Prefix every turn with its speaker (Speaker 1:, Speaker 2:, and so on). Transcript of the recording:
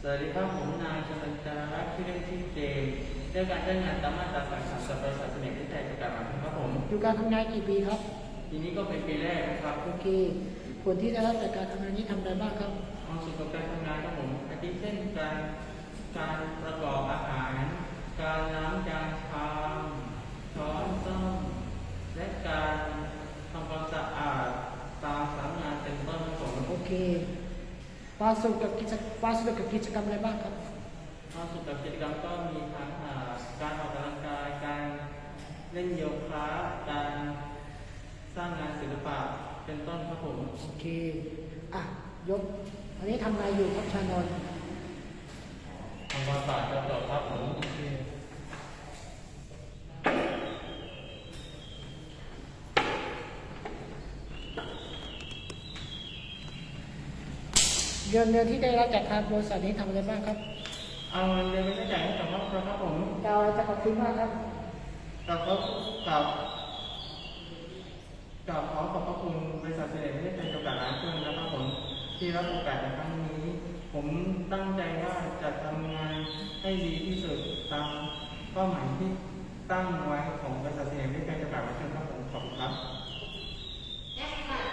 Speaker 1: สวัสดีครับผมนายชลันจารักษ์ชื่อเล่นชื่อเจมส์ได้การจ้างงานตามมาตรา33กับบริษัทเสน่ห์วิจัยจำกัดมหาชนครับผม
Speaker 2: อยู่การทำงานกี่ปีครับ
Speaker 1: ทีนี้ก็เป็นปีแรกนะครับ
Speaker 2: โอเคผลที่ได้รับจากการทำงานนี้ทำอะไรบ้างครับ
Speaker 1: ความสุขกับการทำงานครับผมอาทิเช่นการประกอบอาหารการล้างจานชามช้อนส้อมและการทำความสะอาดตามสำนักงานเป็นต้นครับผม
Speaker 2: โอเคความสนุกกับกิจกรรมอะไรบ้างครับ
Speaker 1: ความสุขกับกิจกรรมก็มีทั้งการออกกำลังกายการเล่นโยคะการสร้างงานศิลปะเป็นต้นครับผม
Speaker 2: โอเคอ่ะยกอันนี้ทำอะไรอยู่ครับชานนท์
Speaker 1: ทำความสะอาดกระจกครับผม
Speaker 2: โอเคเงินที่ได้รับจากทางบริษัทนี้ทำอะไรบ้างครับ
Speaker 1: เอาเงินเดือนไปจ่ายให้กับครอบครัวครับผม
Speaker 2: เราจะขอบคุณมากครับ
Speaker 1: กับขอขอบพระคุณบริษัทเสน่ห์ไม่ได้เป็นจำกัดร้านเครื่องนะครับผมที่รับโอกาสในครั้งนี้ผมตั้งใจว่าจะทำงานให้ดีที่สุดตามเป้าหมายที่ตั้งไว้ของบริษัทเสน่ห์ไม่ได้เป็นจำกัดร้านเครื่องครับผมขอบคุณครับ